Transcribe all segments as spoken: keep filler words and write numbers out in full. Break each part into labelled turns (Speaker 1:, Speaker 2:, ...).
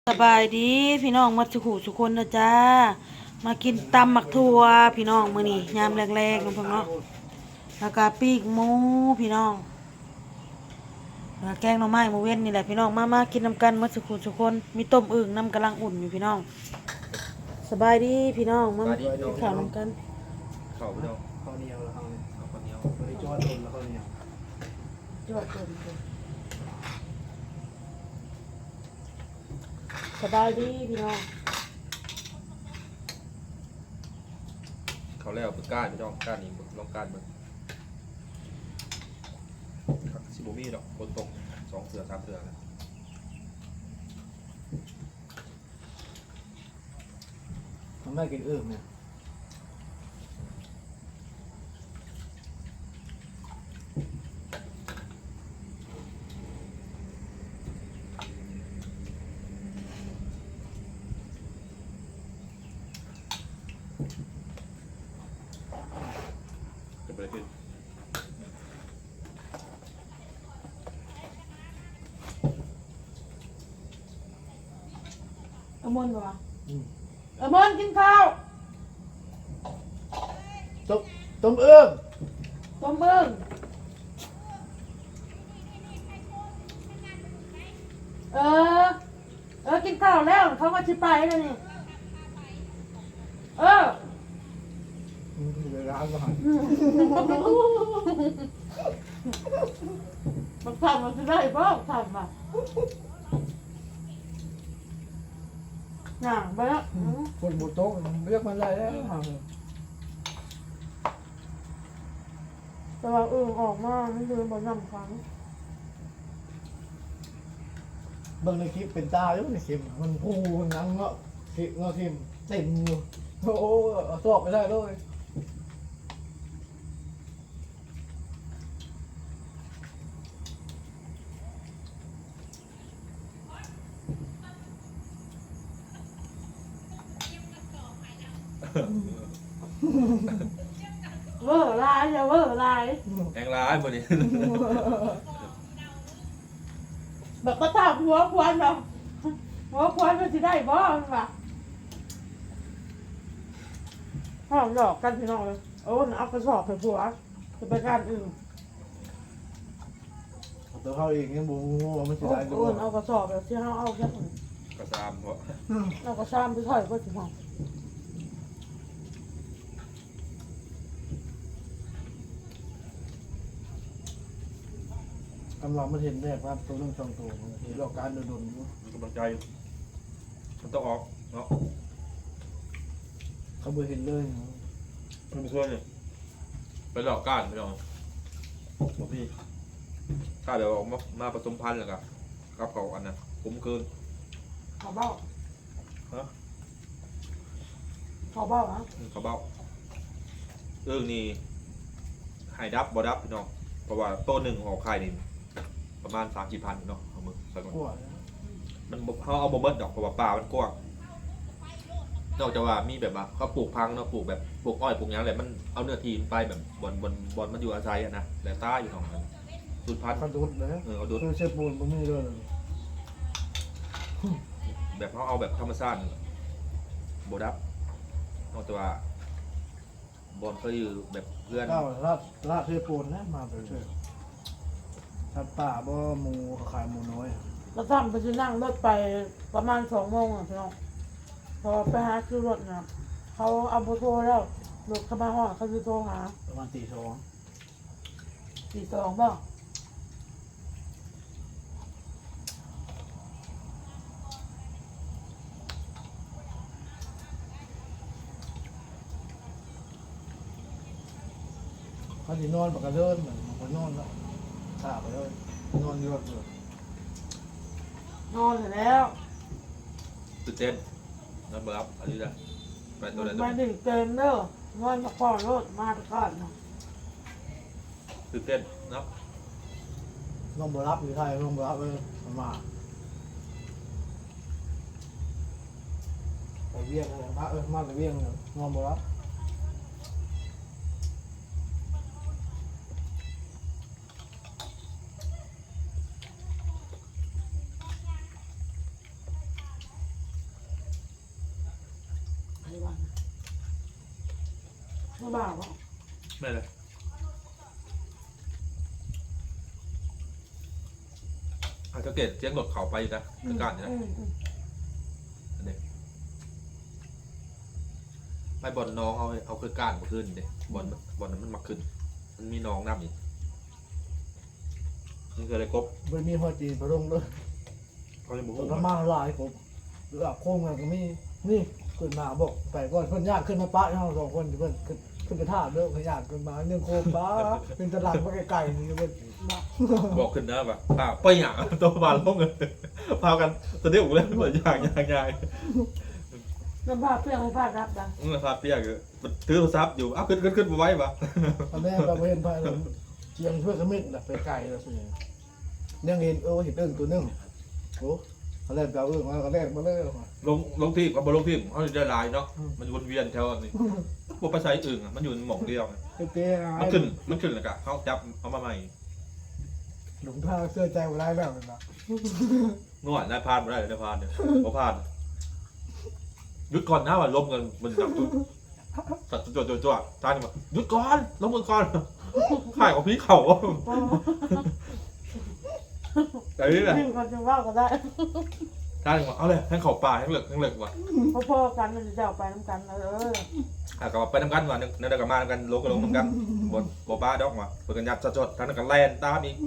Speaker 1: สบายดีพี่น้องมาสุขุสุคนนะจ้ามากินตำหมักทั่วพี่น้องมื้อนี้ยามแรกๆน้องเพิ่นเนาะแล้วก็ปีกหมูพี่น้องแล้วแกงหน่อไม้มื้อเว้นนี่แหละพี่น้องมามากินนำกันมาสุขุสุคนมีต้มอึ่งน้ำกำลังอุ่นอยู่พี่น้องสบายดีพี่น้องมากินข้าวนำกัน
Speaker 2: ข้าวพี่น้อง
Speaker 3: ข้าวเหนียวแล้วข้าวเหนียว
Speaker 2: ข้าวเหนียว
Speaker 3: บริจอดโดนแล้วข้าวเหนียว
Speaker 1: จวดเกินสบายดีพี่น้อง
Speaker 2: ข้าวแล้วเป็นก้านพี่น้องก้านนี้ลองก้านเบิ่งสิบ่มีดอกคนตรงสองเสือสามเสือนะ
Speaker 3: ทำได้กินอึ่งเนี่ย
Speaker 2: จะไปขึ้น
Speaker 1: อมนบ่วะอมนกินข้าว
Speaker 3: ต้มต้มอึ่ง
Speaker 1: ต้มอึ่งเออเออกินข้าวแล้วเขาก็ชิไปแล้วนี่เออ
Speaker 3: เดี๋ยวร้านก่อน
Speaker 1: มันทำมันจะได้บ้างทำอ่ะหนังไปแล้ว
Speaker 3: คนบุโต๊ะเรียกมันได้แล้ว
Speaker 1: แต่ว่าอึ่งออกมาไม่ดูบนน้ำครั้ง
Speaker 3: เบิ่งในคลิปเป็นตาอยู่ในคลิปมันพูนังเงาะคลิปเงาะคลิปเต็มอยู่โอ้โหเอาสอบไปได้เลย
Speaker 1: เวอร์ลายอย่าเวอร์ลาย
Speaker 2: แองร้ายบ่นี้
Speaker 1: แบบมาถามหัวควันเนาะหัวควันมันจะได้บ้างป่ะห้องหลอกกันพี่น้องเลยโอ้เอากระสอบไปผัวจะไปการอื่น
Speaker 3: ตัวเขาเองยังบูงูว่ามันจะ
Speaker 1: โอ้
Speaker 3: ได้
Speaker 1: โห
Speaker 3: ด้วย
Speaker 1: เอากระสอบแบบที่เขาเอาแค่
Speaker 2: กระซามเพราะ
Speaker 1: เอากระซ้ำไปถอยก็ถึงห้อง
Speaker 3: กำลังมาเห็นแน่ครับตัวเรื่องสองตัวเห็นหลอกการโดนโดน
Speaker 2: มีกำลังใจอยู่มันต้องออกเนาะ
Speaker 3: เขาบ่เห็นเลย
Speaker 2: มันไม่ช่วยเลยไปหลอกก้านพี่น้องบ่มีถ้าเดี๋ยวออกมามาผสมพันธุ์แล้วก็กับเขาอันนั้นคุ้มเกิน
Speaker 1: เขาเบ้า
Speaker 2: ฮะ
Speaker 1: เขาเบ้าฮะ
Speaker 2: เขาเบ้าเรื่องนี้ให้ดับบ่ดับพี่น้องเพราะว่าต้นหนึ่งออกไข่นี่ประมาณสามสี่พันเนาะเอามือใส่ก่อน
Speaker 3: กลัว
Speaker 2: มันบ่เขาเอาบ่เบิดดอกเพราะว่าป่ามันกว้างนอกจากว่ามีแบบว่าเขาปลูกพังเนาะปลูกแบบปลูกอ้อยปลูกหยังอะไรมันเอาเนื้อที่ไปแบบบอนบอนบอนมันอยู่อาศัยอะนะแต่ใต้อยู่ของมันสุดพันธุ์
Speaker 3: คันดุดเลย
Speaker 2: เออเอาดู
Speaker 3: คือเชฟปูนบ่มีเลย
Speaker 2: แบบเขาเอาแบบธรรมชาติบ่ดับนอกจากว่าบอนเขาอยู่แบบเพื่อน
Speaker 3: เก้าลาดลาดเชฟปูนนะมาเป็นเชฟสัตว์ป่าบ่หมูขายหมูน้อย
Speaker 1: เราทำไปจะนั่งรถไปประมาณสองโมงอ่ะพี่น้องพอไปหาคือรถนะเขาเอาโบโทรแล้วรถเข้ามาห้องเขาจะโทรหา
Speaker 3: ประมาณตีสอง
Speaker 1: สี่สองบ้าง
Speaker 3: เขาสินอนปกติเดินเหมือนคนนอนแล้วขาไปเลยนอนอยู่เลย
Speaker 1: นอนเสร็จแล้ว
Speaker 2: ตื่นเต้นนั่นบ่รับอันนี้แหละไปตัวไหนตัว
Speaker 1: มา
Speaker 2: ไหน
Speaker 1: ดึกเต็มเด้อนอนมาก่อนรถมาตะก่อนนะ
Speaker 2: ตื่นเต้นเนาะ
Speaker 3: น้องบ่รับอยู่ไทยน้องบ่รับเลยมาไปเวียงเลยมาเออมาไปเวียงเลยน้องบ่รับ
Speaker 1: เขาบอกว่า
Speaker 2: ไม่เลยอาจจะเกตเสียงรถเขาไปนะคือการเนี่ยนะอันนี้ไปบอลน้องเอาเอาคือการมาขึ้นเด็บอลบอลนั้นมันมาขึ้น มันมีน้องน้ำอีกนี่คืออะไรกบ
Speaker 3: มันมีหัวจีนพระองค์ด้วย
Speaker 2: เขาจะบุก
Speaker 3: ต้นมาหลายผมหรือโค้งกันก็มีนี่ขึ้นมาบอกไปก่อนเพิ่นยากขึ้นมาปะเราสองคนเพิ่นขึ้นขึ้นไปท่าเด้อขยันขึ้นมาเนื่องโค้งป้าเป็นตลาดมาไกลๆนี่เพิ่น
Speaker 2: บอกขึ้นนะแบบป้าไปหยางตัวบาลลงเลยพากันตอนนี้ผมเล่นเหมือนยางยางยาง
Speaker 1: น้ำผ้าเปรี้ยวให้ผ้ารับดัง
Speaker 2: เออพาเปียกเลยถือโทรศัพท์อยู่อ้าวขึ้นขึ้นขึ้นมาไว้ปะ
Speaker 3: ตอนแรกเราเห็นไปเราเจียงเพื่อกระมิดไปไกลแล้วสิยังเห็นเออเห็นเอิ้งตัวนึงโอ้เขาแรกเราเอิ้งมาเขาแรกมาเลย
Speaker 2: ลงลงที่กับบนลงที่เขาจะได้ลายเนาะมันวนเวียนแถวนี้พวกภาษาอื่นมันอยู่ในหม่องเดียว
Speaker 3: เตี้ย
Speaker 2: มันขึ้นมันขึ้นแล้วก็เขาจับเอามาใหม่
Speaker 3: หลงทางเสื้อใจมาได้แล้วนะ
Speaker 2: นวดนายพานไม่ได้นายพานเนี่ยพอพานหยุดก่อนนะว่าล้มกันมันจับตุ้สัตว์ตัวตัวตัวท่านบอกหยุดก่อนล้มมือก่อนข่ายของพี่เขาแต่นี่แหละ
Speaker 1: ยิ่งคนจะว่าก็ได้
Speaker 2: ท่านบอกเอาเลยให้เขาป่าให้เหลือกให้เหลือกว่ะ
Speaker 1: เพราะพ่อกันมันจะเอาไปน้ำกันเออ
Speaker 2: อ่ะก็ไปทำกันว่ะเนี่ยเดี๋ยวกันมาทำกันลงกันลงทำกันบนบป้าดอกว่ะเปิดกันยัดสดๆท่านกันแลนตามอีก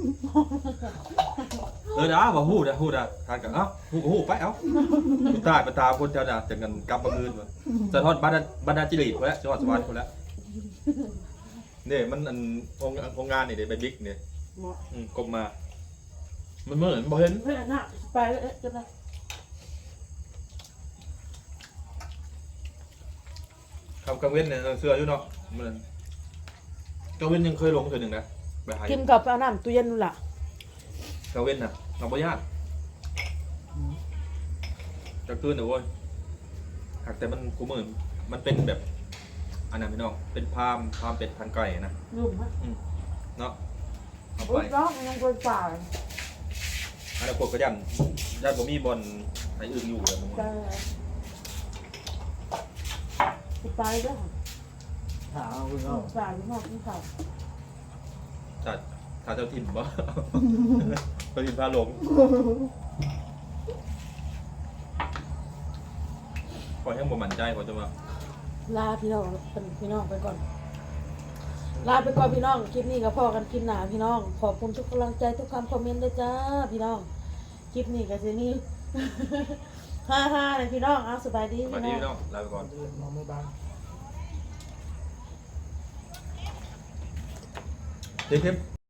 Speaker 2: เออนะว่าหู้นะหู้นะท่านกันเอ้าหู้ก็หู้ไปเอ้าหู้ตายไปตามคนเจ้าน่ะจะกันกำมาคืนว่ะสะท้อนบรรดาบรรดาจิริตคนละจังหวัดสวรรค์คนละเนี่ยมันอันองค์องค์งานนี่เดี๋ยวไปบิ๊กเนี่ย
Speaker 1: หมด
Speaker 2: อืมกลมมา มันเหมือนบ่เห็น
Speaker 1: เพื่อนน่ะไปเอ๊ะจะไป
Speaker 2: คำกังเว้นเนี่ยเสื้ออยู่เนาะมันกังเว้นยังเคยลงเธอหนึ่งนะไปหา
Speaker 1: กินกับเอาน้ำตู้เย็นนู่นล่ะ
Speaker 2: กังเว้นน่ะเราบ่ญาติจะคืนเดี๋ยวโว้ยหากแต่มันกูเหมือนมันเป็นแบบอันนั้นพี่น้องเป็นพามพามเป็ดพันไก่นะ
Speaker 1: ยุ่งฮะ
Speaker 2: เนาะเอา
Speaker 1: อุ้
Speaker 2: ไป
Speaker 1: ยร้องยังคนป่า
Speaker 2: อันนั้นพวกก็ยันยันบ่มีบอลไหนอื่นอยู่เลยมึง
Speaker 1: ไปไปด้วย
Speaker 3: ถามคุณเขา
Speaker 1: ป่าที่ห้องที่เขา
Speaker 2: ถ้าถ้าเจ้าถิ่นบ่ เจ้าถิ่นพาหลงขอให้บ่มั่นใจขอจะมา
Speaker 1: ลาพี่น้องเป็นพี่น้องไปก่อน ลาไปก่อนพี่น้องคลิปนี้กับพ่อกันคลิปหนาพี่น้องขอบคุณทุกกำลังใจทุกคำคอมเมนต์ด้วยจ้าพี่น้องคลิปนี้กับเจนี่ ฮ่าฮ่าเลยพี่น้องเอาสบายดี
Speaker 2: สวัส
Speaker 1: พี่
Speaker 2: ดี
Speaker 1: น้อง
Speaker 2: พี่น้องลาไปก่อน
Speaker 3: มองไม่บ้าง
Speaker 2: เทป